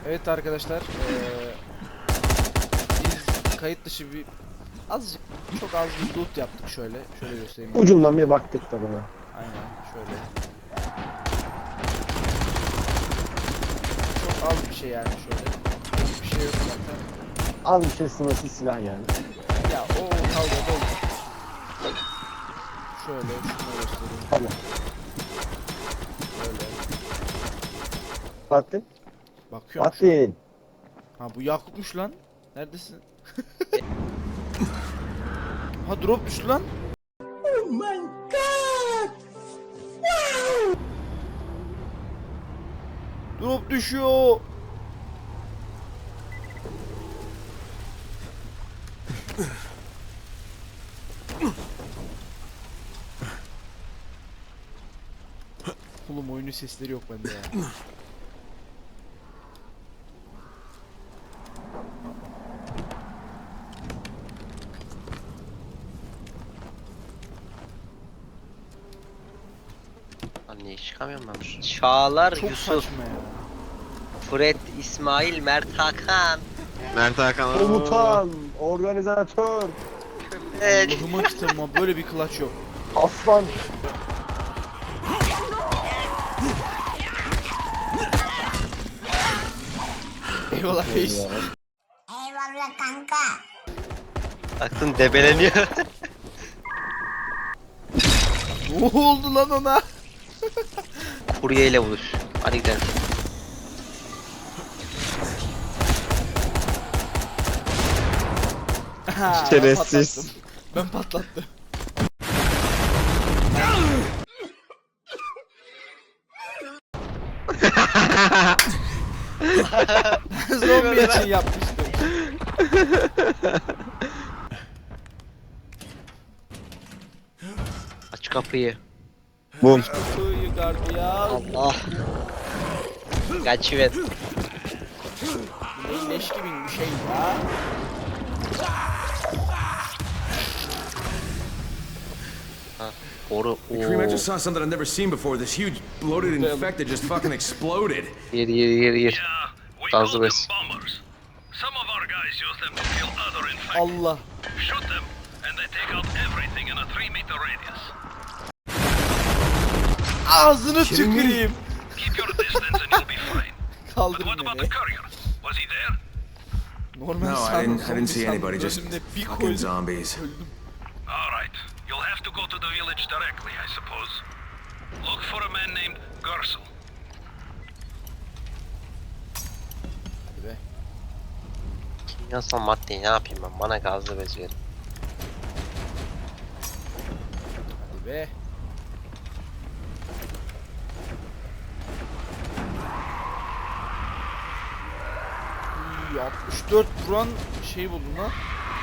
Evet arkadaşlar, biz kayıt dışı bir azıcık, çok az bir loot yaptık şöyle. Şöyle göstereyim. Ucundan bir baktık da buna. Aynen şöyle. Çok az bir şey yani şöyle. Hiçbir şey yok zaten. Az bir şey sınırsız silah yani. Ya o kavga oldu. Şöyle şunu göstereyim. Tamam. Böyle. Baktın. Bakıyorum şu an. Baktın. Ha bu Yakup'muş lan. Neredesin? Ha drop düştü lan. Oh my god! Wow! Drop düşüyor. Oğlum oyunun sesleri yok bende ya. Lan niye çıkamıyorum ben buradan? Çağlar, Çok Yusuf, saçma ya. Fred, İsmail, Mert Hakan. Mert Hakan. Komutan. Organizatör. Allah'ıma kitabıma böyle bir clutch yok. Aslan. Eyvallah reis. Eyvallah kanka. Baktın debeleniyor. Ne oldu lan ona? Kuryeyle buluş. Hadi gidelim. Ha, Şerefsiz. Ben patlattım. Zombi için yapmıştım. Aç kapıyı. Bum. Kutuyu gardiyan. Allah. Kaçıver. Bu leş gibi bir şey ya. Boru. Kareem, I Oo. just saw something I've never seen before. This huge bloated infected just fucking exploded. Gir gir gir gir. Yeah, we Fazla call them bes. bombers. Some of our guys use them to kill other infected. Allah. Shoot them, and they take out everything in a 3-meter radius. Ağzını tüküreyim. Keep your distance and you'll be fine. But Kaldırın what about beni. the courier? Was he there? Normal No, sandım, I didn't zombi see sandım. anybody. Just Önümde bir fucking koydum. zombies. Öldüm. All right, you'll have to go to the village directly, I suppose. Look for a man named Gersel. Hadi be. Kimyasal maddeyi ne yapayım ben? Bana gazlı bez verin. Hadi be. İyi, 64 vuran şey buldum lan.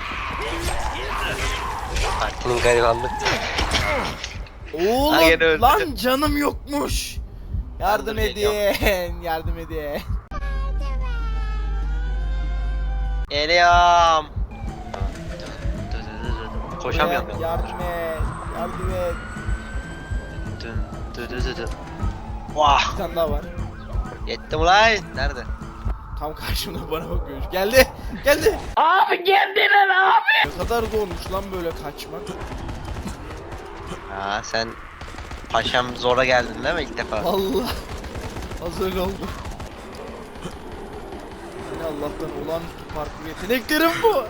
Partinin garibanlık. Oğlum Ha, gene öldü. lan canım yokmuş. Yardım Ben de edin. Yardım edin. Geliyorum. Koşamıyorum ya. Yardım et. Yardım et. Vah. Bir tane daha var. Yettim ulan. Nerede? Tam karşımda bana bakıyor. Geldi. Geldi. Abi geldiler abi. Ne kadar zormuş lan böyle kaçmak. Ha sen paşam zora geldin değil mi ilk defa? Allah. Az öyle oldu. Yine Allah'tan olağanüstü parkur yeteneklerim bu.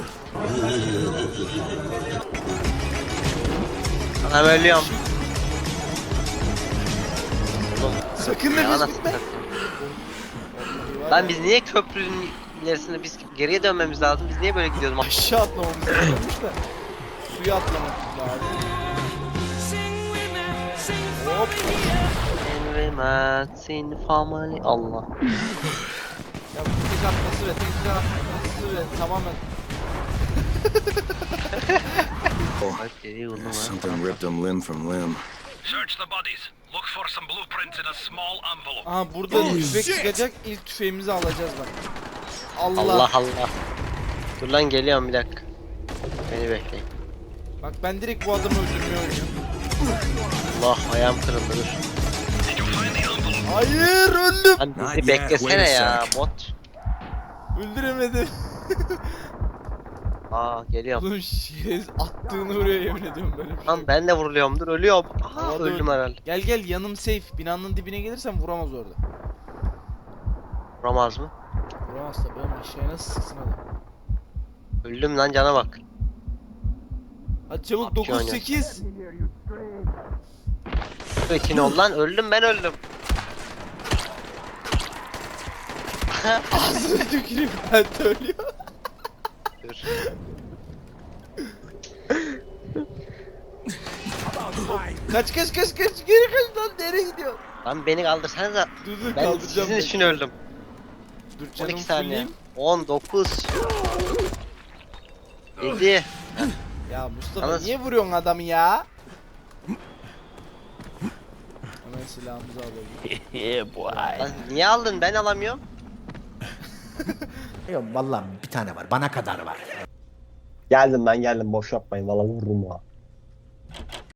Anam ölüyorum. Oğlum Sakın ne nefes anasını gitme. satayım. Vallahi var Lan ya, biz niye köprünün ilerisinde biz geriye dönmemiz lazım? Biz niye böyle gidiyoruz? aşağı atlamamız lazımmış da suya atlamak lazım. Hop. Envemetsin famali Allah. Ya bu tek atması ve tek atması ve tamamen Bak geriye vurdum ha. Something ripped him limb from limb. Search the bodies. Look for some blueprints in a small envelope. aha burada tüfek çıkacak, ilk tüfeğimizi alacağız bak. Allah. Allah Allah. Dur lan geliyorum bir dakika. Beni bekleyin. Bak ben direkt bu adamı öldürmeye oynuyorum. Allah ayağım kırıldı dur. Did you find the envelope? Hayır öldüm. Lan Not bizi yet, beklesene wait a ya sec. bot. Öldüremedim. Aa geliyorum. Oğlum şerez attığını vuruyor yemin ediyorum böyle bir şey. Lan ben de vuruluyorumdur ölüyorum. Aha Havada öldüm herhalde. Gel gel yanım safe. Binanın dibine gelirsen vuramaz orada. Vuramaz mı? Vuramaz tabii ama aşağıya nasıl sıksın adam. Öldüm lan cana bak. Hadi çabuk PUBG 9-8. Ekin ol lan öldüm ben öldüm. Ağzını tüküreyim ben de ölüyor. Dur. Kaç kaç kaç kaç geri kaç lan nereye gidiyor? Lan beni kaldırsanıza. Dur Ben kaldıracağım. sizin ben. için öldüm. Dur canım 12 saniye. fulleyim. 19. 7. Ya Mustafa Yalnız- niye vuruyorsun adamı ya? Hemen silahımızı alalım. Lan niye aldın ben alamıyorum. Yok vallahi bir tane var. Bana kadar var. Geldim ben geldim boş yapmayın valla vururum ha.